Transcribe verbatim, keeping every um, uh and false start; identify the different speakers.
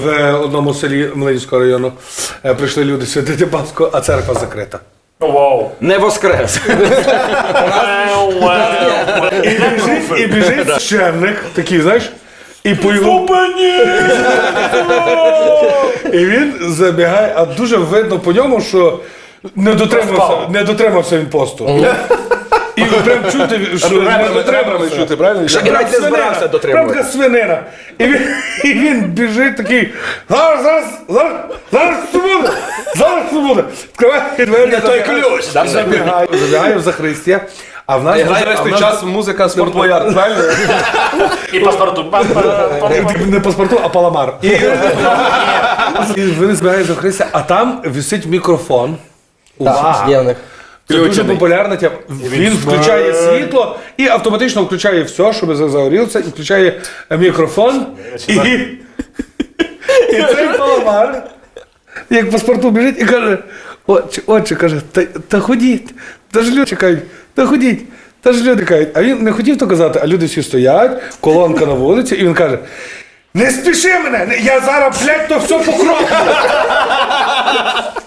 Speaker 1: В одному селі Млинського району е, прийшли люди святити Пасху, а церква закрита.
Speaker 2: Вау.
Speaker 3: Не воскрес.
Speaker 1: І біжить, і біжить священник, такий, знаєш, і по його... І він забігає, а дуже видно по ньому, що не дотримався, не дотримався він посту. І прям чути, що не дотримався.
Speaker 4: чути, правильно?
Speaker 3: Що і навіть не збирався
Speaker 1: Прям
Speaker 3: дотримувати.
Speaker 1: така свинина. І він, і він біжить такий, зараз, зараз, зараз, зараз все буде, зараз все буде. Відкриває двері.
Speaker 3: Не той ключ.
Speaker 1: Забігає, забігає в Захристя. А в нас
Speaker 4: І грає
Speaker 1: а
Speaker 4: весь
Speaker 1: в
Speaker 4: той
Speaker 1: нас-
Speaker 4: час музика спортбояр, правильно?
Speaker 2: І паспорту.
Speaker 1: Не паспорту, а паламар. І, і вони збирають за Христа, а там висить мікрофон. Увага!
Speaker 3: Є в них.
Speaker 1: Це дуже популярна тема. Він включає світло і автоматично включає все, щоб загорілося, і включає мікрофон. І, і цей паламар, як паспорту біжить і каже, отче, отче, каже, та, та ходіть, та ж люди чекають, та ходіть, та ж люди чекають. А він не хотів то казати, а люди всі стоять, колонка на вулиці, і він каже, не спіши мене, я зараз, блядь, то все покроплю.